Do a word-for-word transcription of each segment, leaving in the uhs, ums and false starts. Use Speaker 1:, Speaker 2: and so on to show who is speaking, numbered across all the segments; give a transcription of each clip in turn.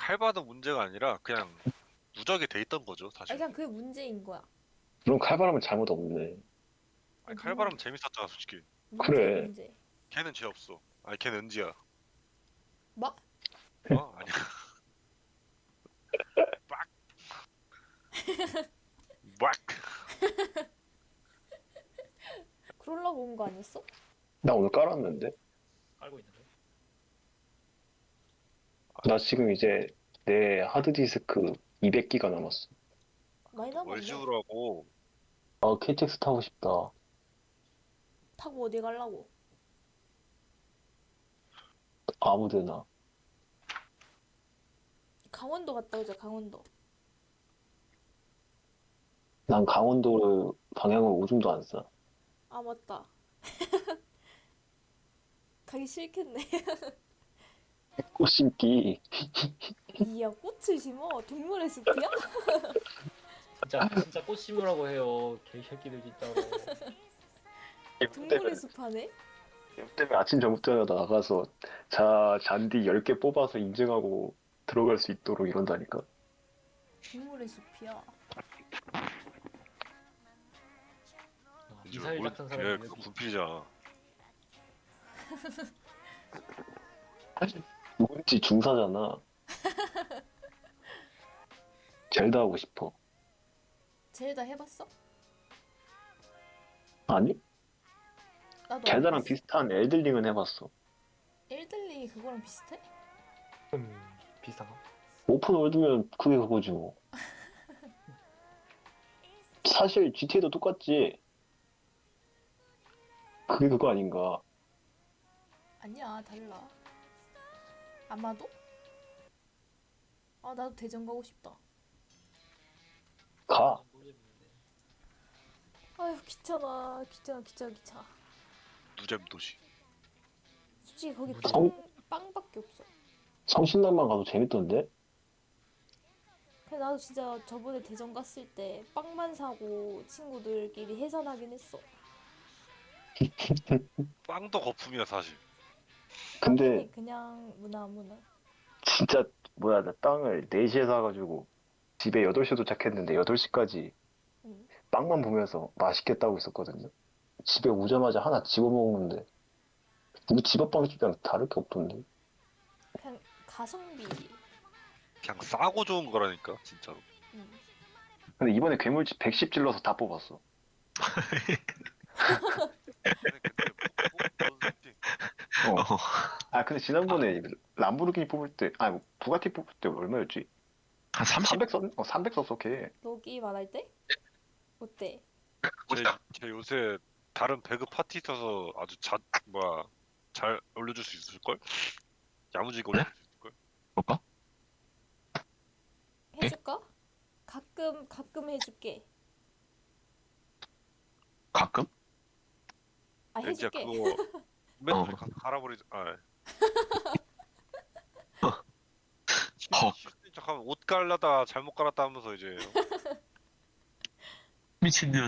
Speaker 1: 칼바도 문제가 아니라 그냥 누적이 돼 있던 거죠,
Speaker 2: 아
Speaker 1: 사실.
Speaker 2: 그냥 그게 문제인 거야.
Speaker 3: 그럼 칼바람은 잘못 없네.
Speaker 1: 아니,
Speaker 2: 문,
Speaker 1: 칼바람 재밌었잖아, 솔직히.
Speaker 2: 문제
Speaker 3: 그래.
Speaker 2: 문제.
Speaker 1: 걔는 죄 없어. 아니, 걔는 은지야.
Speaker 2: 뭐?
Speaker 1: 어? 아니야. 빡! 빡!
Speaker 2: 그러려고 온 거 아니었어?
Speaker 3: 나 오늘 깔았는데?
Speaker 4: 깔고 있는데.
Speaker 3: 나 지금 이제 내 하드디스크 이백 기가 남았어.
Speaker 2: 많이
Speaker 1: 뭘
Speaker 2: 남았네.
Speaker 1: 지우라고.
Speaker 3: 아, 케이티엑스 타고 싶다.
Speaker 2: 타고 어디 가려고?
Speaker 3: 아무데나.
Speaker 2: 강원도 갔다 오자 강원도.
Speaker 3: 난 강원도를 방향을 오줌도 안 싸.
Speaker 2: 아 맞다. 가기 싫겠네.
Speaker 3: 꽃 심기.
Speaker 2: 이야 꽃을 심어? 동물의 숲이야?
Speaker 4: 진짜 진짜 꽃 심으라고 해요. 개새끼들 진짜로.
Speaker 2: 동물의 숲 하네?
Speaker 3: 때문에 아침 저녁 나가서 자 잔디 열 개 뽑아서 인증하고 들어갈 수 있도록 이런다니까.
Speaker 2: 동물의 숲이야.
Speaker 4: 아, 미사일 같은 사람이
Speaker 1: 걔
Speaker 4: 있는
Speaker 1: 그거 분필이잖아.
Speaker 3: 누군지 중사잖아. 젤다 하고 싶어.
Speaker 2: 젤다 해봤어?
Speaker 3: 아니?
Speaker 2: 나도 안
Speaker 3: 젤다랑
Speaker 2: 해봤어.
Speaker 3: 비슷한 엘들링은 해봤어.
Speaker 2: 엘들링이 그거랑 비슷해?
Speaker 4: 음 비슷한가?
Speaker 3: 오픈 월드면 그게 그거지 뭐. 사실 지티에이도 똑같지. 그게 그거 아닌가.
Speaker 2: 아니야 달라. 아마도? 아 나도 대전 가고 싶다.
Speaker 3: 가.
Speaker 4: 모르겠는데.
Speaker 2: 아휴 귀찮아 귀찮아 귀찮아 귀찮아.
Speaker 1: 누잼 도시.
Speaker 2: 솔직히 거기
Speaker 3: 성-
Speaker 2: 빵, 빵밖에 없어.
Speaker 3: 성신당만 가도 재밌던데?
Speaker 2: 그래 나도 진짜 저번에 대전 갔을 때 빵만 사고 친구들끼리 해산하긴 했어.
Speaker 1: 빵도 거품이야, 사실.
Speaker 3: 근데
Speaker 2: 빵이 그냥 무나 무나.
Speaker 3: 진짜 뭐야 나 땅을 네 시에 사가지고 집에 여덟 시 도착했는데 여덟 시까지
Speaker 2: 응.
Speaker 3: 빵만 보면서 맛있겠다고 있었거든요. 집에 오자마자 하나 집어먹는데 우리 집 앞 빵집이랑 다를 게 없던데.
Speaker 2: 그냥 가성비.
Speaker 1: 그냥 싸고 좋은 거라니까, 진짜로.
Speaker 2: 응.
Speaker 3: 근데 이번에 괴물집 백십 질러서 다 뽑았어.
Speaker 1: 근데 그때 뭐, 뭐, 뭐,
Speaker 3: 어. 아 근데 지난번에 람보르기니 뽑을 때 아니 부가티 뽑을 때 얼마였지?
Speaker 5: 한 삼십?
Speaker 3: 삼백 썼? 어 삼백 썼어 걔.
Speaker 2: 너기 말할 때? 어때?
Speaker 1: 제, 제 요새 다른 배그 파티 있어서 아주 자, 뭐야, 잘 올려줄 수 있을걸? 야무지게 올려줄 수 있을걸?
Speaker 5: 볼까?
Speaker 2: 해줄까? 가끔 가끔 해줄게.
Speaker 5: 가끔?
Speaker 2: 아
Speaker 1: 야, 진짜
Speaker 2: 해줄게.
Speaker 1: 그거 맨날
Speaker 5: 어.
Speaker 1: 가, 갈아버리자. 아,
Speaker 5: 헉.
Speaker 1: 실수인 척하면 옷 갈라다 잘못 갈았다 하면서 이제
Speaker 5: 미친년.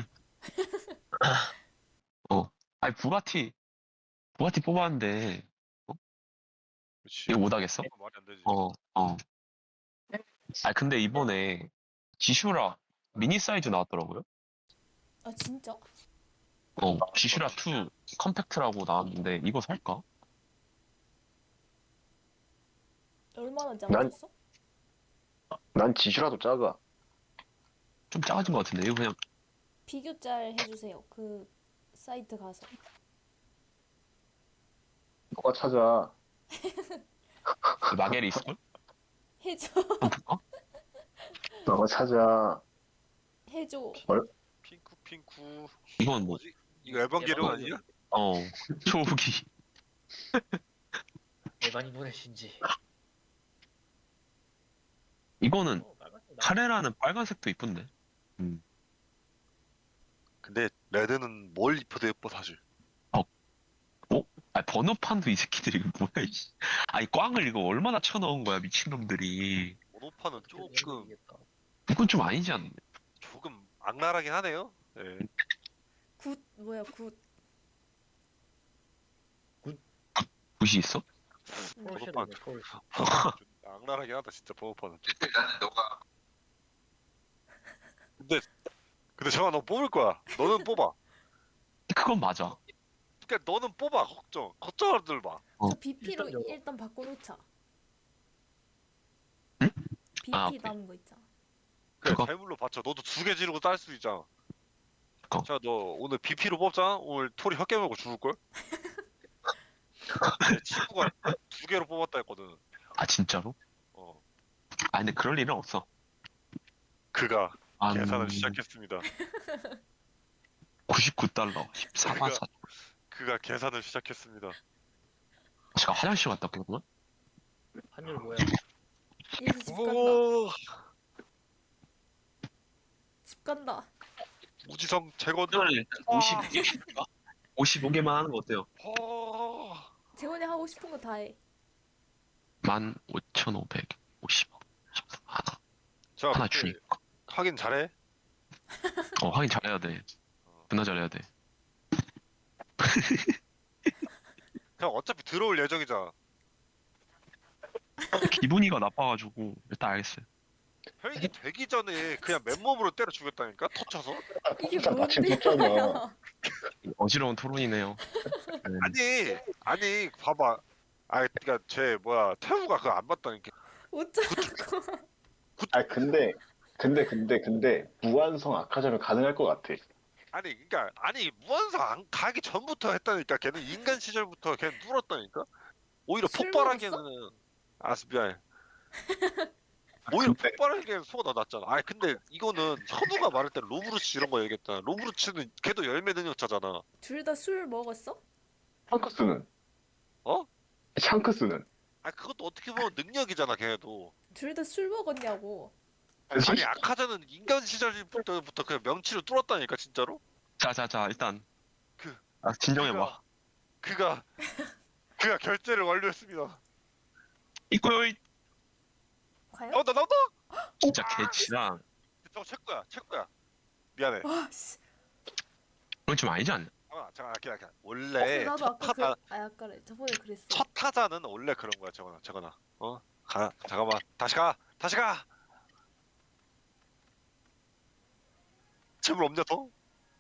Speaker 5: 어. 아니, 부가티, 부가티 뽑았는데,
Speaker 1: 그렇지.
Speaker 5: 이거 못하겠어?
Speaker 1: 말이 안 되지.
Speaker 5: 어, 어. 아, 근데 이번에 지슈라 미니 사이즈 나왔더라고요?
Speaker 2: 아 진짜?
Speaker 5: 어, 지슈라 투 컴팩트라고 나왔는데, 이거 살까?
Speaker 2: 얼마나
Speaker 3: 난-
Speaker 2: 작아졌어?
Speaker 3: 난 지슈라도 작아.
Speaker 5: 좀 작아진 것 같은데, 이거 그냥,
Speaker 2: 비교 짤 해주세요. 그 사이트 가서.
Speaker 3: 너가 찾아.
Speaker 5: 마겔이 있을걸?
Speaker 2: 해줘.
Speaker 5: 한번 볼까?
Speaker 3: 너가 찾아.
Speaker 2: 해줘.
Speaker 1: 핑크 핑크.
Speaker 5: 이건 뭐,
Speaker 1: 뭐지? 이거 에반게리온 아니야?
Speaker 5: 어, 초기.
Speaker 4: 에반이 보내신지.
Speaker 5: 이거는,
Speaker 4: 어, 빨간색 나-
Speaker 5: 카레라는 빨간색도 이쁜데. 음.
Speaker 1: 근데 레드는 뭘 입혀도 예뻐 사실.
Speaker 5: 아, 번호판도 이 새끼들이 이거 뭐야, 이씨. 아니, 꽝을 이거 얼마나 쳐넣은 거야, 미친놈들이.
Speaker 1: 번호판은 조금
Speaker 4: 이겠다.
Speaker 5: 이건 좀 아니지 않나?
Speaker 1: 조금 악랄하긴 하네요. 예.
Speaker 2: 굿 뭐야 굿.
Speaker 5: 굿이 있어?
Speaker 2: 음.
Speaker 1: 번호판
Speaker 4: 폴쉐도 포르쉐.
Speaker 1: 악랄하긴 하다 진짜 번호판은 좀.
Speaker 5: 나는 너가
Speaker 1: 근데 근데 정아 너 뽑을 거야. 너는 뽑아.
Speaker 5: 그건 맞아.
Speaker 1: 그러니까 너는 뽑아. 걱정 걱정하들 마.
Speaker 5: 어.
Speaker 2: 저 비피로
Speaker 4: 일단
Speaker 2: 일단,
Speaker 4: 저거.
Speaker 2: 바꿔놓자.
Speaker 5: 응?
Speaker 2: 비피
Speaker 5: 아, 오케이.
Speaker 2: 남은 거 있잖아.
Speaker 1: 그래
Speaker 5: 그거?
Speaker 1: 재물로 받쳐. 너도 두 개 지르고 딸 수 있잖아.
Speaker 5: 그거.
Speaker 1: 자 너 오늘 비피로 뽑잖아. 오늘 토리 혀 깨물고 죽을 걸? 내 친구가 두 개로 뽑았다 했거든.
Speaker 5: 아 진짜로?
Speaker 1: 어
Speaker 5: 아 근데 그럴 일은 없어.
Speaker 1: 그가
Speaker 5: 아,
Speaker 1: 계산을 시작했습니다.
Speaker 5: 구십구 달러 십사만 사.
Speaker 1: 그가 계산을 시작했습니다.
Speaker 5: 제가 화장실 갔다 왔거든.
Speaker 4: 환율 뭐야?
Speaker 2: 이제 집 간다.
Speaker 1: 오
Speaker 2: 집 간다.
Speaker 1: 우지성 재건.
Speaker 5: 오늘 일단 오십오 개 오십오 개만 하는 거 어때요?
Speaker 1: 어...
Speaker 2: 재원이 하고 싶은 거 다 해.
Speaker 5: 만 오천오백오십 하나
Speaker 1: 자
Speaker 5: 하나
Speaker 1: 근데
Speaker 5: 주니까.
Speaker 1: 확인 잘해.
Speaker 5: 어 확인 잘해야 돼. 존나 잘해야 돼.
Speaker 1: 그냥 어차피 들어올 예정이잖아.
Speaker 5: 기분이가 나빠가지고 일단 알겠어요.
Speaker 1: 혈기 되기 전에 그냥 맨몸으로 때려 죽였다니까 터쳐서.
Speaker 2: 이게
Speaker 3: 나
Speaker 2: 뭔데?
Speaker 3: 지금 줬잖아.
Speaker 5: 어지러운 토론이네요. 네.
Speaker 1: 아니 아니 봐봐. 아 그니까 쟤 뭐야 태우가 그거 안 봤다니까.
Speaker 2: 어쩌라고.
Speaker 3: 아 근데 근데 근데 근데 무한성 아카자면 가능할 것 같아.
Speaker 1: 아니 그니까 아니 무한성 안 가기 전부터 했다니까. 걔는 인간 시절부터 걔는 뚫었다니까. 오히려
Speaker 2: 술
Speaker 1: 폭발하기에는 아 미안해. 오히려
Speaker 3: 근데-
Speaker 1: 폭발하기에는 소가 더 낫잖아. 아니 근데 이거는 현우가 말할 때 로브루치 이런 거 얘기했잖아. 로브루치는 걔도 열매 능력자잖아.
Speaker 2: 둘 다 술 먹었어?
Speaker 3: 샹크스는?
Speaker 1: 어?
Speaker 3: 샹크스는?
Speaker 1: 아 그것도 어떻게 보면 능력이잖아 걔도.
Speaker 2: 둘 다 술 먹었냐고.
Speaker 1: 아니 아카자는 인간 시절부터 그냥 명치로 뚫었다니까 진짜로.
Speaker 5: 자자자 일단
Speaker 1: 그-
Speaker 5: 아, 진정해봐.
Speaker 1: 그가 그가 결제를 완료했습니다.
Speaker 5: 이거요.
Speaker 2: 과연?
Speaker 1: 나온다 나온다.
Speaker 5: 진짜 개치랑
Speaker 1: 저거 체크야 체크야. 미안해.
Speaker 2: 와 씨.
Speaker 5: 그건 좀 아니지 않나?
Speaker 1: 잠깐만 잠깐만 기다려 기다려.
Speaker 2: 어,
Speaker 1: 원래
Speaker 2: 나도
Speaker 1: 첫
Speaker 2: 아까 그,
Speaker 1: 타자
Speaker 2: 아 아까 저번에 그랬어.
Speaker 1: 첫 타자는 원래 그런 거야. 저거나 저거나. 어? 가 잠깐만 다시 가 다시 가. 재물 없냐 더?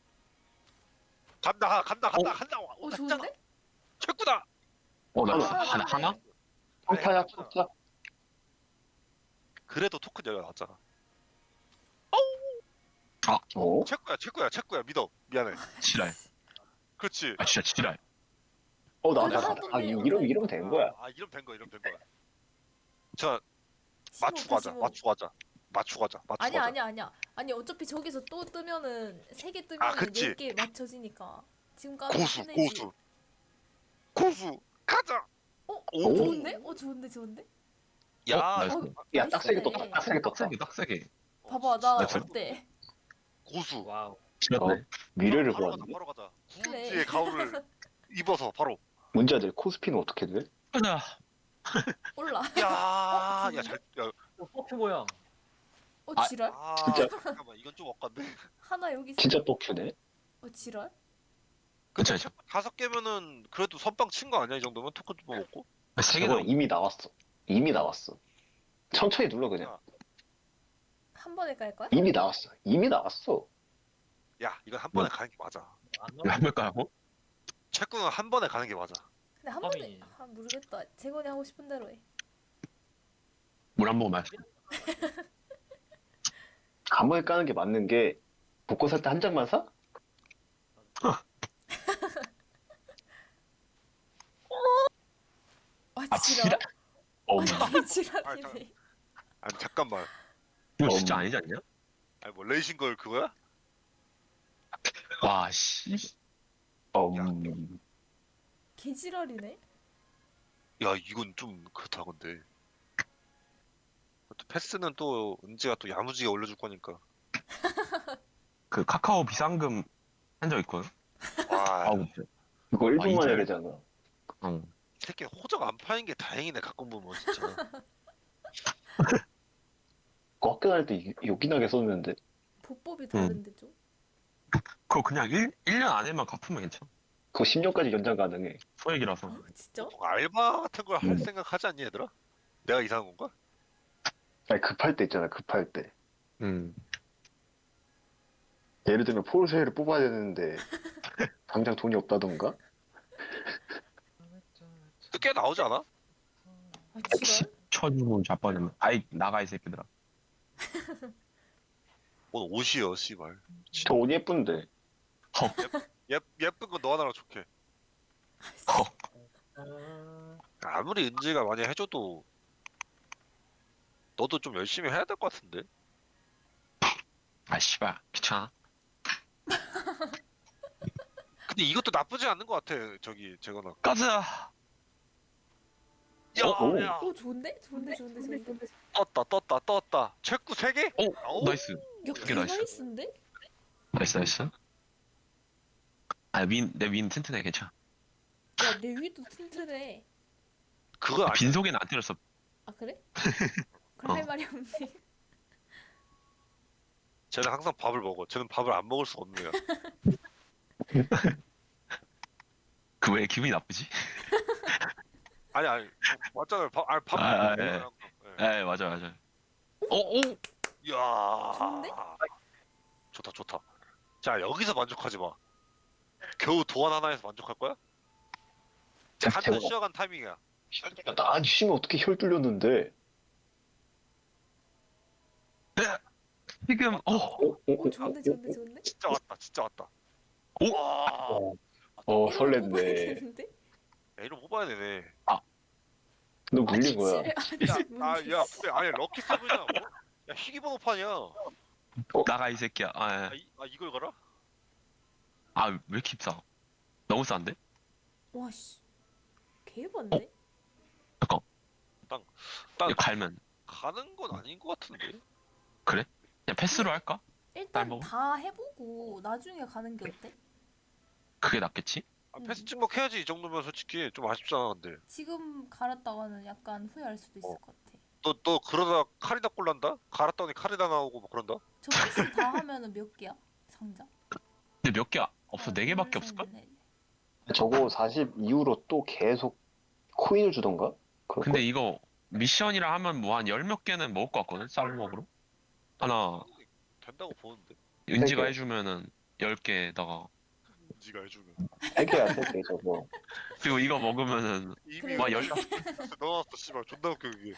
Speaker 1: 간다 간다 간다 간다. 와,
Speaker 2: 어
Speaker 1: 간다.
Speaker 2: 좋은데?
Speaker 1: 체크다.
Speaker 5: 어나
Speaker 3: 하나,
Speaker 5: 하나 하나?
Speaker 3: 평타야 평타?
Speaker 1: 그래도 토큰 열려 나왔잖아.
Speaker 3: 어?
Speaker 1: 체크야 체크야 체크야 믿어. 미안해.
Speaker 5: 지랄.
Speaker 1: 그렇지.
Speaker 5: 아 진짜 지랄.
Speaker 3: 어, 나,
Speaker 2: 그래도
Speaker 3: 나,
Speaker 2: 하던데,
Speaker 3: 아, 이러면, 이러면 된 거야.
Speaker 1: 아 이러면 된 거야 이러면 된 거야. 자
Speaker 2: 십오,
Speaker 1: 맞추고 하자
Speaker 2: 십오.
Speaker 1: 맞추고 하자 맞추고 하자 맞추고
Speaker 2: 아니야
Speaker 1: 하자.
Speaker 2: 아니야 아니야. 아니 어차피 저기서 또 뜨면은 세 개
Speaker 1: 아,
Speaker 2: 뜨면은
Speaker 1: 그치.
Speaker 2: 열 개 맞춰지니까. 지금 까면
Speaker 1: 고수
Speaker 2: 끝내지.
Speaker 1: 고수 고수 가자.
Speaker 2: 어?
Speaker 1: 오.
Speaker 2: 좋은데? 어 좋은데 좋은데?
Speaker 1: 야
Speaker 5: 어, 나이스.
Speaker 2: 어,
Speaker 3: 야, 딱 세게
Speaker 2: 나이스네.
Speaker 3: 떴다, 딱 세게 떴다.
Speaker 5: 딱세게 딱세게.
Speaker 2: 봐봐 나
Speaker 5: 나이스.
Speaker 2: 어때?
Speaker 1: 고수.
Speaker 4: 와우.
Speaker 5: 지렸네.
Speaker 3: 미래를
Speaker 1: 바로 가자
Speaker 3: 보았는데?
Speaker 1: 바로 가자.
Speaker 2: 그래.
Speaker 1: 구운지의 가오를 입어서 바로.
Speaker 3: 문제들 코스피는 어떻게 돼?
Speaker 5: 가자.
Speaker 2: 올라.
Speaker 1: 야,
Speaker 2: 어,
Speaker 1: 야, 잘, 야,
Speaker 4: 어, 퍼프 모양.
Speaker 2: 어
Speaker 5: 아,
Speaker 2: 지랄?
Speaker 1: 아,
Speaker 3: 진짜?
Speaker 1: 잠깐만, 이건 좀 엇간데.
Speaker 2: 하나 여기 있어.
Speaker 3: 진짜 뻑큐네?
Speaker 2: 어 지랄?
Speaker 1: 근데
Speaker 5: 그쵸, 그쵸.
Speaker 1: 다섯 개면은 그래도 선빵 친 거 아니야 이 정도면 토큰 좀 먹고?
Speaker 5: 세
Speaker 3: 저거
Speaker 5: 개도
Speaker 3: 이미 나왔어. 이미 나왔어. 천천히 눌러, 그냥.
Speaker 2: 한 번에 깔 거야?
Speaker 3: 이미 나왔어. 이미 나왔어.
Speaker 1: 야, 이건 한 번에 가는 게 맞아.
Speaker 4: 안
Speaker 5: 왜
Speaker 4: 나와.
Speaker 5: 한 볼까요?
Speaker 1: 체크는 한 번에 가는 게 맞아.
Speaker 2: 근데 한 번에
Speaker 4: 팝이.
Speaker 2: 아 모르겠다. 재건이 하고 싶은 대로 해.
Speaker 5: 물 한 모금 마시.
Speaker 3: 한 번에 까는 게 맞는 게, 복권 살 때 한 장만 사?
Speaker 2: 아
Speaker 5: 아
Speaker 2: 지랄?
Speaker 5: 지랄. 어,
Speaker 2: 아 되게
Speaker 1: 아,
Speaker 2: 지랄이네.
Speaker 1: 아니 잠깐만.
Speaker 5: 이거 진짜
Speaker 3: 음.
Speaker 5: 아니지 않냐?
Speaker 1: 아니 뭐 레이싱걸 그거야?
Speaker 5: 와 씨.
Speaker 3: 어,
Speaker 1: 야.
Speaker 3: 음,
Speaker 2: 개 지랄이네.
Speaker 1: 야, 이건 좀 그렇다 근데. 또 패스는 또 은지가 또 야무지게 올려줄 거니까.
Speaker 5: 그 카카오 비상금 한 적 있거든.
Speaker 1: 와,
Speaker 5: 아우.
Speaker 3: 이거 일 분 만에
Speaker 5: 이제-
Speaker 3: 되잖아.
Speaker 5: 어.
Speaker 1: 이 새끼 호적 안 파인 게 다행이네 가끔 보면 진짜.
Speaker 3: 그거 학교 다닐 때 요긴하게 썼는데.
Speaker 2: 보법이 다른데 좀.
Speaker 5: 그거 그냥 일, 일 년 안에만 갚으면 괜찮아.
Speaker 3: 그거 십 년까지 연장 가능해.
Speaker 5: 소액이라서.
Speaker 2: 아 진짜?
Speaker 1: 알바 같은 걸 할
Speaker 3: 음.
Speaker 1: 생각 하지 않니 얘들아? 내가 이상한 건가?
Speaker 3: 아니 급할 때 있잖아 급할 때.
Speaker 5: 음.
Speaker 3: 예를 들면 포르쉐를 뽑아야 되는데 당장 돈이 없다던가?
Speaker 1: 또 꽤 나오지 않아?
Speaker 2: 아 지랄?
Speaker 5: 쳐주고 자빠지면 아이 나가 이 새끼들아.
Speaker 1: 뭔 옷이여 씨발.
Speaker 3: 저 옷 예쁜데.
Speaker 1: 예 예쁜 건 너 하나랑 좋게.
Speaker 5: 어.
Speaker 1: 아무리 은지가 많이 해줘도 너도 좀 열심히 해야 될 것 같은데.
Speaker 5: 아 씨발 귀찮아.
Speaker 1: 근데 이것도 나쁘지 않은 것 같아. 저기 재건아.
Speaker 5: 가자.
Speaker 1: 야,
Speaker 3: 어?
Speaker 1: 야,
Speaker 2: 오 좋은데? 좋은데 좋은데 좋은데.
Speaker 1: 떴다, 떴다, 떴다. 체크 세 개?
Speaker 5: 오
Speaker 1: 아우.
Speaker 5: 나이스.
Speaker 2: 야
Speaker 5: 그게 나이스.
Speaker 2: 개나이스인데?
Speaker 5: 나이스 나이스. 아윈내 윈 튼튼해 괜찮아.
Speaker 2: 야내 위도 튼튼해.
Speaker 1: 그거 아니.
Speaker 5: 빈속에는 안 때렸어.
Speaker 2: 아 그래? 그럼
Speaker 5: 어.
Speaker 2: 할 말이 없네.
Speaker 1: 쟤는 항상 밥을 먹어. 쟤는 밥을 안 먹을 수 없는 애야.
Speaker 5: 그 왜 기분이 나쁘지?
Speaker 1: 아니 아니 맞잖아요. 밥 아니 밥.
Speaker 5: 아, 아,
Speaker 1: 먹어요,
Speaker 5: 예.
Speaker 1: 항상. 예.
Speaker 5: 에 맞아 맞아. 어오
Speaker 1: 이야.
Speaker 2: 좋은데?
Speaker 1: 좋다 좋다. 자 여기서 만족하지 마. 겨우 도안 하나에서 만족할 거야?
Speaker 3: 자,
Speaker 1: 한잔
Speaker 3: 제가-
Speaker 1: 쉬어간 타이밍이야.
Speaker 3: 야, 나 쉬면 어떻게 혈 뚫렸는데?
Speaker 5: 지금 어
Speaker 3: 어, 어,
Speaker 2: 오 좋은데 좋은데 좋은데?
Speaker 1: 진짜 왔다. 진짜 왔다.
Speaker 5: 오!
Speaker 1: 와.
Speaker 3: 어, 어
Speaker 2: 이런 거 뽑아야
Speaker 3: 설렜네.
Speaker 2: 되는데?
Speaker 1: 야, 이런 거 뽑아야 되네.
Speaker 3: 너 물린 거야.
Speaker 2: 아니,
Speaker 1: 야,
Speaker 2: 아니,
Speaker 1: 아, 야, 근데 아니 럭키 세븐이야. 뭐? 야, 희귀 번호판이야.
Speaker 5: 나가 이 새끼야. 아,
Speaker 1: 아,
Speaker 5: 예.
Speaker 1: 이, 아 이걸 걸어?
Speaker 5: 아, 왜 이렇게 비싸? 너무 싼데?
Speaker 2: 와씨 개반데?
Speaker 5: 잠깐.
Speaker 1: 딱
Speaker 5: 이거 갈면
Speaker 1: 가는 건 아닌 것 같은데.
Speaker 5: 그냥 패스로 할까?
Speaker 2: 일단
Speaker 5: 먹어?
Speaker 2: 다 해보고 나중에 가는 게 어때?
Speaker 5: 그게 낫겠지?
Speaker 1: 아, 패스 찍먹 해야지 이 정도면 솔직히 좀 아쉽잖아 근데.
Speaker 2: 지금 갈았다가는 약간 후회할 수도 있을
Speaker 1: 어.
Speaker 2: 것 같아.
Speaker 1: 너 너 그러다 카리다 꼴난다? 갈았더니 카리다 나오고 뭐 그런다?
Speaker 2: 저 패스 다 하면은 몇 개야? 상자?
Speaker 5: 근데 몇 개 없어?
Speaker 2: 하나,
Speaker 5: 네 개밖에
Speaker 2: 둘,
Speaker 5: 없을걸?
Speaker 2: 셋, 넷.
Speaker 3: 저거 사십 이후로 또 계속 코인을 주던가? 그럴
Speaker 5: 근데
Speaker 3: 걸?
Speaker 5: 이거 미션이라 하면 뭐 한 열 몇 개는 먹을 것 같거든? 쌀먹으로? 하나
Speaker 1: 된다고 보는데.
Speaker 5: 은지가
Speaker 3: 개.
Speaker 5: 해주면은 열 개에다가
Speaker 1: 지가 해주면.
Speaker 3: 세 개야 세 개 저거.
Speaker 5: 그리고 이거 먹으면은
Speaker 1: 이미
Speaker 2: 그래.
Speaker 5: 와 열.
Speaker 1: 넣어놨어 씨발 존나 웃겨 그게.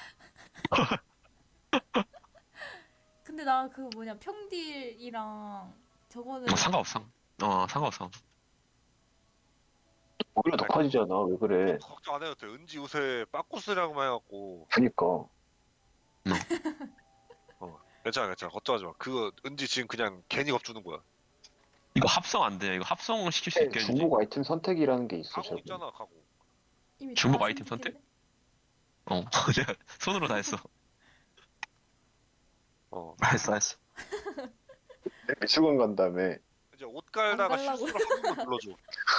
Speaker 2: 근데 나 그 뭐냐 평딜이랑 저거는
Speaker 5: 뭐 상관없어. 어 상관없어.
Speaker 3: 오히려 더 커지잖아. 왜 그래?
Speaker 1: 걱정 안 해도 돼. 은지 요새 빠꾸스랑만 해갖고
Speaker 3: 그니까.
Speaker 1: 괜찮아 괜찮아 걱정하지 마. 그거 은지 지금 그냥 괜히 겁주는 거야.
Speaker 5: 이거 합성 안 돼. 이거 합성을 시킬 수 있게 해주지.
Speaker 3: 중복 아이템 선택이라는 게 있어.
Speaker 1: 가고
Speaker 3: 저거.
Speaker 1: 있잖아 가고.
Speaker 2: 이미
Speaker 5: 중복
Speaker 2: 다
Speaker 5: 아이템
Speaker 2: 선택했네?
Speaker 5: 어 내가 손으로 다 했어.
Speaker 1: 어
Speaker 5: 했어 했어.
Speaker 3: 미술관 간 다음에
Speaker 1: 이제 옷 갈다가
Speaker 2: 안 갈라고.
Speaker 1: 실수로 한 번만 불러줘.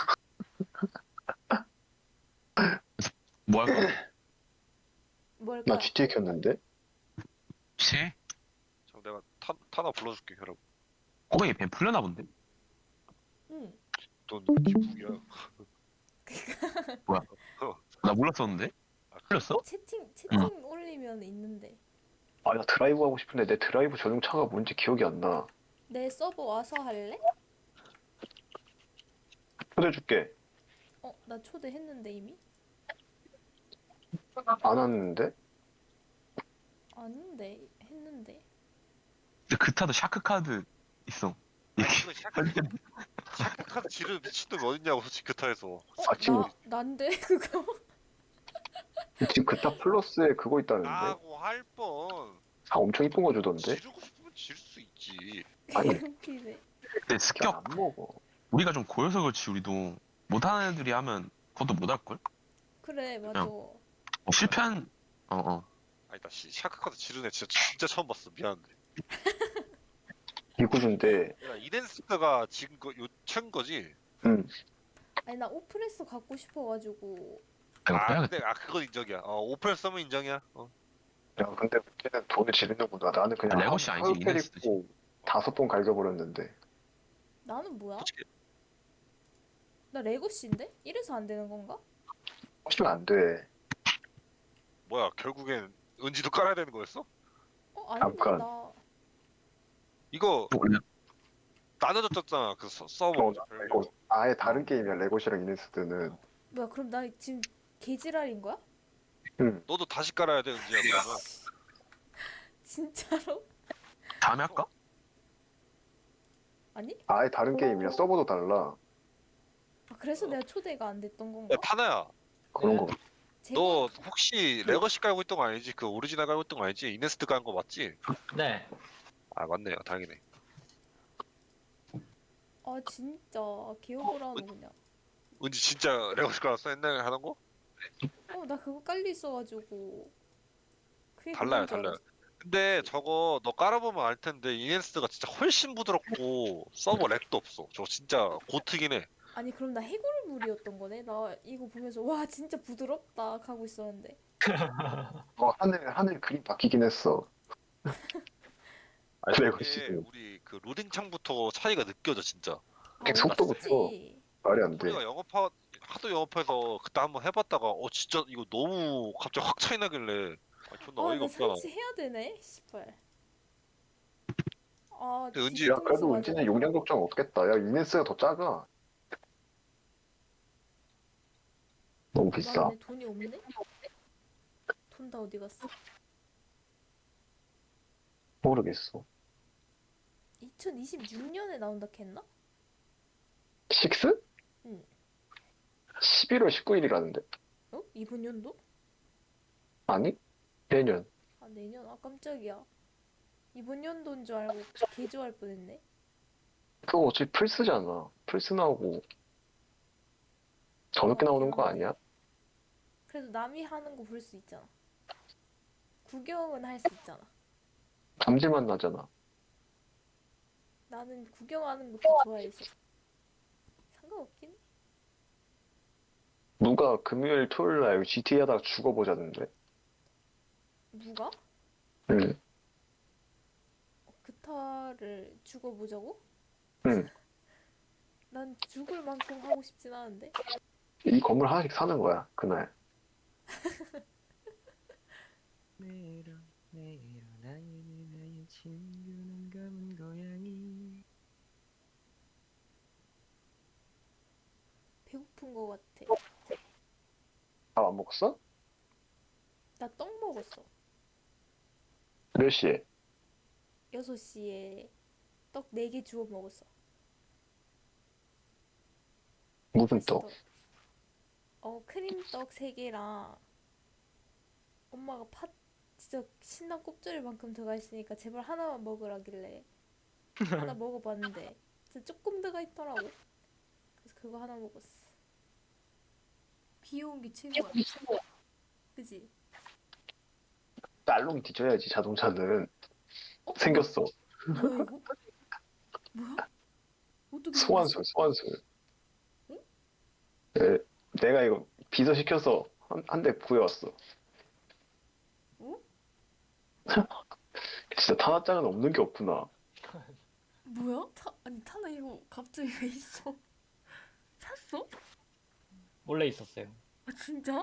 Speaker 5: 뭐 할 거야?
Speaker 2: 뭐 할까?
Speaker 3: 나 지티에이 켰는데
Speaker 5: 시?
Speaker 1: 자 내가 타, 타나 불러줄게 혈압.
Speaker 5: 꼬맹이 뱀 풀려나 본데?
Speaker 2: 응.
Speaker 1: 넌 기북이야.
Speaker 5: 나 몰랐었는데?
Speaker 1: 아,
Speaker 5: 풀렸어?
Speaker 2: 채팅 채팅 올리면 있는데
Speaker 3: 아 나 드라이브 하고 싶은데 내 드라이브 전용차가 뭔지 기억이 안 나.
Speaker 2: 내 서버 와서 할래?
Speaker 3: 초대해줄게.
Speaker 2: 어, 나 초대했는데 이미?
Speaker 3: 안 왔는데?
Speaker 2: 아닌데 했는데.
Speaker 5: 근데 그 타도 샤크 카드 있어.
Speaker 1: 아니, 그거 샤크, 샤크 카드 지르 미친놈 어딨냐고 솔직히 그 타에서.
Speaker 2: 어,
Speaker 3: 아, 지금-
Speaker 2: 나 난데 그거.
Speaker 3: 지금 그타 플러스에 그거 있다는데?
Speaker 1: 나고 할 뻔.
Speaker 3: 아 엄청 이쁜 거 주던데?
Speaker 1: 지르고 싶으면 지를 수 있지.
Speaker 3: 아니.
Speaker 2: 웃기네.
Speaker 5: 근데
Speaker 3: 그냥
Speaker 5: 습격
Speaker 3: 안 먹어.
Speaker 5: 우리가 좀 고여서 그렇지 우리도 못하는 애들이 하면 그것도 못할걸?
Speaker 2: 그래 맞아.
Speaker 5: 어, 실패한 어어
Speaker 1: 아니다 씨 샤크 카드 지르는 애 진짜 진짜 처음 봤어. 미안한데.
Speaker 3: 이구준데
Speaker 1: 야 이덴스가 지금 거 요chen 거지?
Speaker 3: 응.
Speaker 2: 아니 나 오프레스 갖고 싶어가지고.
Speaker 5: 이거
Speaker 1: 아
Speaker 5: 빼야겠다.
Speaker 1: 근데 아 그건 인정이야. 어 오펠 서면 인정이야. 어.
Speaker 3: 야 근데 그때는 돈을 지르는구나. 나는 그냥
Speaker 5: 아, 레고시
Speaker 3: 한-
Speaker 5: 아니지,
Speaker 3: 한
Speaker 5: 이네스지.
Speaker 3: 입고 다섯 번 갈겨버렸는데.
Speaker 2: 나는 뭐야?
Speaker 1: 솔직히
Speaker 2: 나 레고씨인데? 이래서 안 되는 건가?
Speaker 3: 하시면 안 돼.
Speaker 1: 뭐야 결국엔 은지도 깔아야 되는 거였어?
Speaker 2: 어 아닌데
Speaker 3: 잠깐.
Speaker 2: 나
Speaker 1: 이거
Speaker 5: 원래
Speaker 1: 나눠졌잖아 그 서, 서버.
Speaker 3: 어, 나 레고 아예 다른 게임이야. 레고시랑 이네스트는.
Speaker 2: 뭐야 그럼 나 지금 개지랄인 거야?
Speaker 3: 응.
Speaker 1: 너도 다시 깔아야 돼 은지야 그러면.
Speaker 2: 진짜로?
Speaker 5: 다음에 할까?
Speaker 2: 아니?
Speaker 3: 아예 다른 게임이야. 서버도 달라.
Speaker 2: 아, 그래서 내가 초대가 안 됐던
Speaker 1: 야
Speaker 2: 건가?
Speaker 1: 타나야
Speaker 3: 그런
Speaker 4: 네.
Speaker 3: 거.
Speaker 1: 너
Speaker 2: 제가
Speaker 1: 혹시 레거시 깔고 있던 거 아니지? 그 오리지널 깔고 있던 거 아니지? 이네스트 깔은 거 맞지?
Speaker 4: 네.
Speaker 1: 아 맞네요 다행이네.
Speaker 2: 아 진짜 기억을 하노 그냥.
Speaker 1: 은지 진짜 레거시 깔았어 옛날에 하던 거?
Speaker 2: 어 나 그거 깔려 있어가지고 그게
Speaker 1: 달라요
Speaker 2: 그건 줄
Speaker 1: 달라요.
Speaker 2: 알았어.
Speaker 1: 근데 저거 너 깔아보면 알 텐데 이네스트가 진짜 훨씬 부드럽고 서버 렉도 없어. 저거 진짜 고트긴 해.
Speaker 2: 아니 그럼 나 해골물이었던 거네? 나 이거 보면서 와 진짜 부드럽다 하고 있었는데
Speaker 3: 어, 하늘 하늘 그림 바뀌긴 했어.
Speaker 1: 아니
Speaker 3: 레거시.
Speaker 1: 이게 우리 그 로딩 창부터 차이가 느껴져 진짜.
Speaker 2: 아
Speaker 3: 속도부터.
Speaker 2: 어쩐지
Speaker 3: 말이 안 돼.
Speaker 1: 우리가 영업하 하도 영업해서 그때 한번 해봤다가 어 진짜 이거 너무 갑자기 확 차이 나길래 아, 존나 어이가
Speaker 2: 아나
Speaker 1: 없잖아.
Speaker 2: 설치해야 되네? 씨발 아
Speaker 1: 근데 은지
Speaker 3: 야,
Speaker 2: 뒤통수
Speaker 3: 그래도
Speaker 2: 맞아.
Speaker 3: 은지는 용량 걱정 없겠다. 야, 이네스가 더 작아. 너무 비싸.
Speaker 2: 맞네 돈이 없네? 돈 다 어디 갔어?
Speaker 3: 모르겠어.
Speaker 2: 이천이십육 년에 나온다 했나?
Speaker 3: 식스?
Speaker 2: 응.
Speaker 3: 십일월 십구일이라는데.
Speaker 2: 어? 이번 연도?
Speaker 3: 아니? 내년.
Speaker 2: 아 내년? 아 깜짝이야 이번 연도인 줄 알고 개조할 뻔했네
Speaker 3: 그거 어차피 플스잖아. 플스 나오고 저녁에 나오는 거 아니야?
Speaker 2: 그래도 남이 하는 거 볼 수 있잖아 구경은 할 수 있잖아
Speaker 3: 잠질만 나잖아.
Speaker 2: 나는 구경하는 것도 좋아해서 상관없긴 해.
Speaker 3: 누가 금요일 토요일 날 지티에이 하다가 죽어보자는데.
Speaker 2: 누가?
Speaker 3: 응.
Speaker 2: 그타를 죽어보자고?
Speaker 3: 응.
Speaker 2: 난 죽을 만큼 하고 싶진 않은데
Speaker 3: 이 건물 하나씩 사는 거야, 그날.
Speaker 6: 내일어 내일어 나의 나의 친구는 검은 고양이.
Speaker 2: 배고픈 거 같아
Speaker 3: 밥 안 먹었어?
Speaker 2: 나 떡 먹었어
Speaker 3: 몇 시에?
Speaker 2: 여섯 시에 떡 네 개 주워 먹었어
Speaker 3: 무슨 떡?
Speaker 2: 맛있더라. 어 크림떡 세 개랑 엄마가 팥 진짜 신난 꼽조리만큼 들어가 있으니까 제발 하나만 먹으라길래 하나 먹어봤는데 진짜 조금 들어가 있더라고 그래서 그거 하나 먹었어 귀여운 게 최고야 그지?
Speaker 3: 딸롱이 뒤져야지, 자동차는.
Speaker 2: 어?
Speaker 3: 생겼어.
Speaker 2: 뭐야 이거? 뭐야? 어떻게
Speaker 3: 소환술, 소환술.
Speaker 2: 응?
Speaker 3: 네, 내가 이거 비서시켜서 한, 한 대 구해왔어.
Speaker 2: 응?
Speaker 3: 진짜 타나짱은 없는 게 없구나.
Speaker 2: 뭐야? 타, 아니 타나 이거 갑자기 왜 있어? 샀어?
Speaker 4: 원래 있었어요.
Speaker 2: 아 진짜?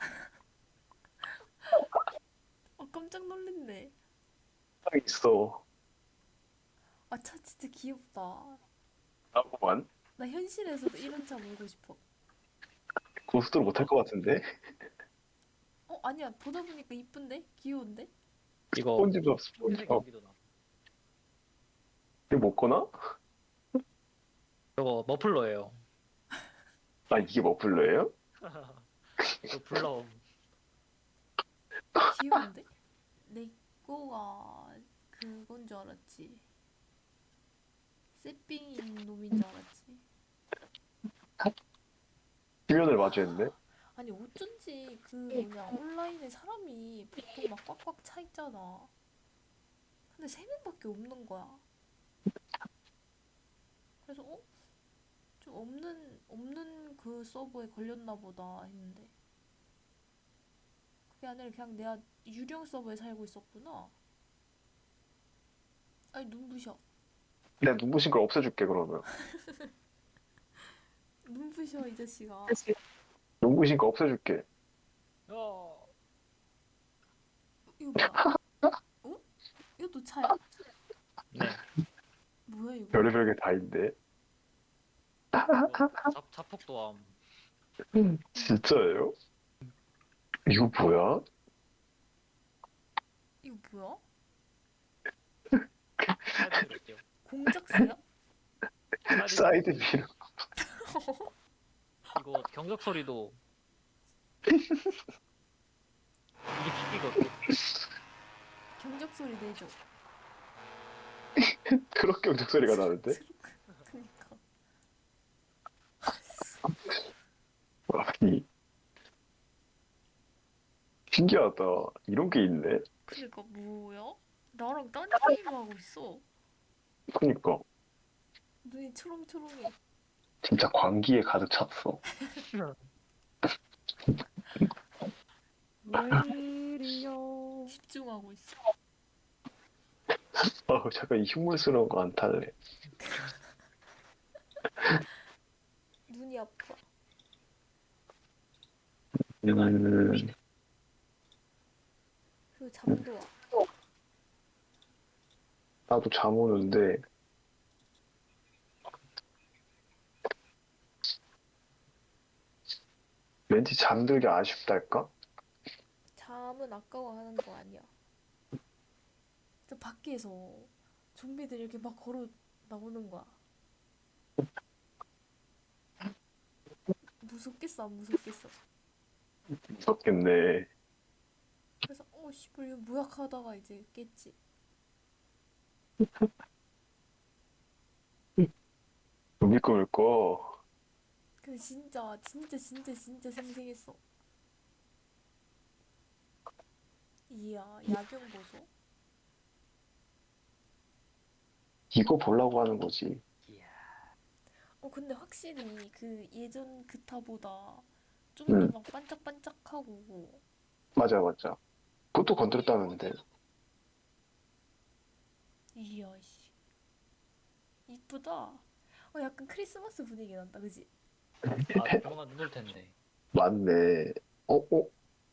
Speaker 2: 아 깜짝 놀랐네
Speaker 3: 딱 있어.
Speaker 2: 아 차 진짜 귀엽다
Speaker 3: 나고만.
Speaker 2: 나 현실에서도 이런 차 몰고 싶어
Speaker 3: 고속도로 못할 것 같은데?
Speaker 2: 어 아니야 보다 보니까 이쁜데? 귀여운데?
Speaker 4: 이거
Speaker 3: 스폰지밥,
Speaker 4: 흰색
Speaker 3: 스폰지밥.
Speaker 4: 경기도 나.
Speaker 3: 이거 못 거나?
Speaker 4: 저거 머플러예요.
Speaker 3: 아, 이게 머플러예요?
Speaker 4: 이거 불러.
Speaker 2: 귀여운데? 내 거가 그건 줄 알았지 새삥인 놈인 줄 알았지
Speaker 3: 주변을 마주했네?
Speaker 2: 아니 어쩐지 그 뭐냐 온라인에 사람이 보통 막 꽉꽉 차 있잖아 근데 세 명밖에 없는 거야 그래서 어? 좀 없는 없는 그 서버에 걸렸나 보다 했는데 그게 아니라 그냥 내가 유령 서버에 살고 있었구나 아니 눈부셔
Speaker 3: 내가 눈부신 걸 없애줄게, 그러면.
Speaker 2: 눈부셔 이 자식아
Speaker 3: 눈부신 거 없애줄게.
Speaker 4: 어.
Speaker 2: 이거 뭐야? 어? 이것도 차야?
Speaker 4: 네.
Speaker 2: 뭐야 이거?
Speaker 3: 별의별 게 다 있네.
Speaker 4: 이거 자, 자폭도 함.
Speaker 3: 진짜예요? 이거 뭐야?
Speaker 2: 이거 뭐야?
Speaker 4: 사이드 드릴게요.
Speaker 2: 공작새야?
Speaker 3: 사이드 미러.
Speaker 4: 이거 경적 소리도 이게 킥이거든.
Speaker 2: 경적 소리 내줘.
Speaker 3: 트럭 경적 소리가 나는데?
Speaker 2: 그니까.
Speaker 3: 아니, 신기하다. 이런 게 있네.
Speaker 2: 그니까 뭐야? 나랑 딴 게임 하고 있어.
Speaker 3: 그니까
Speaker 2: 눈이 초롱초롱해.
Speaker 3: 진짜 광기에 가득 찼어.
Speaker 2: 집중하고 있어.
Speaker 3: 아, 잠깐 이 흉물스러운 거 안 탈래.
Speaker 2: 눈이 아파.
Speaker 3: 음,
Speaker 2: 그리고 잠도 와.
Speaker 3: 나도 잠 오는데 왠지 잠들기 아쉽달까?
Speaker 2: 잠은 아까워하는 거 아니야. 진짜 밖에서 좀비들이 이렇게 막 걸어 나오는 거야. 무섭겠어, 안 무섭겠어.
Speaker 3: 무섭겠네.
Speaker 2: 그래서 어 씨발 이거 뭐야 하다가 이제 깼지.
Speaker 3: 좀비 꿈을 꿔.
Speaker 2: 근데 진짜 진짜 진짜 진짜 생생했어. 이야 야경 보소.
Speaker 3: 이거 보려고 하는 거지.
Speaker 4: 이야.
Speaker 2: 어 근데 확실히 그 예전 그타보다 좀
Speaker 3: 응.
Speaker 2: 더 막 반짝반짝하고.
Speaker 3: 맞아, 맞아. 그것도 건드렸다는데.
Speaker 2: 이야 씨 이쁘다. 어 약간 크리스마스 분위기 난다 그지?
Speaker 4: 아 조만간 눈 올 텐데.
Speaker 3: 맞네. 어, 어?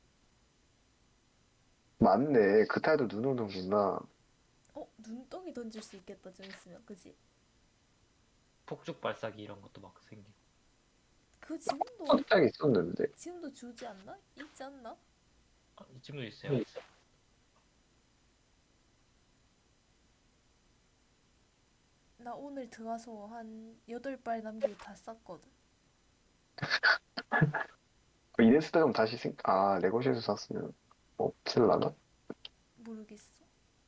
Speaker 3: 맞네. 그 타이도 눈 오는구나.
Speaker 2: 어 눈덩이 던질 수 있겠다 좀 있으면 그지?
Speaker 4: 폭죽 발사기 이런 것도 막 생기고.
Speaker 2: 그거 지금도
Speaker 3: 깜짝 있었는데.
Speaker 2: 지금도 주지 않나? 있지 않나?
Speaker 4: 아, 이쯤도 있어요.
Speaker 2: 나 오늘 들어가서 한 여덟 발 남기고 다 쌌거든.
Speaker 3: 이네스타 좀 다시 생, 아, 레고시에서 샀으면 없을라나?
Speaker 2: 모르겠어.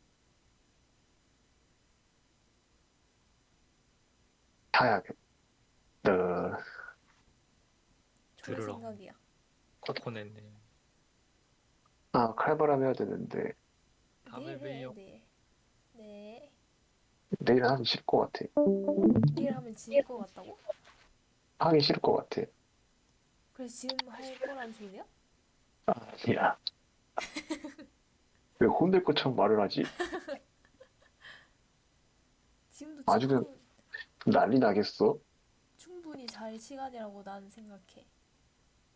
Speaker 3: 사야겠다.
Speaker 2: 좋은
Speaker 4: 들으러.
Speaker 2: 생각이야.
Speaker 4: 코코넷네.
Speaker 3: 아, 칼바람 해야 되는데.
Speaker 4: 다음에
Speaker 2: 내일 해,
Speaker 4: 봬요.
Speaker 2: 내일. 네.
Speaker 3: 내일 하기 싫을 것 같아.
Speaker 2: 내일 하면 지일 것 같다고?
Speaker 3: 하기 싫을 것 같아.
Speaker 2: 그래서 지금 할 거란 소리야?
Speaker 3: 아니야. 왜 혼낼 것처럼 말을 하지?
Speaker 2: 지금도
Speaker 3: 아주
Speaker 2: 충분,
Speaker 3: 난리 나겠어.
Speaker 2: 충분히 잘 시간이라고 나는 생각해.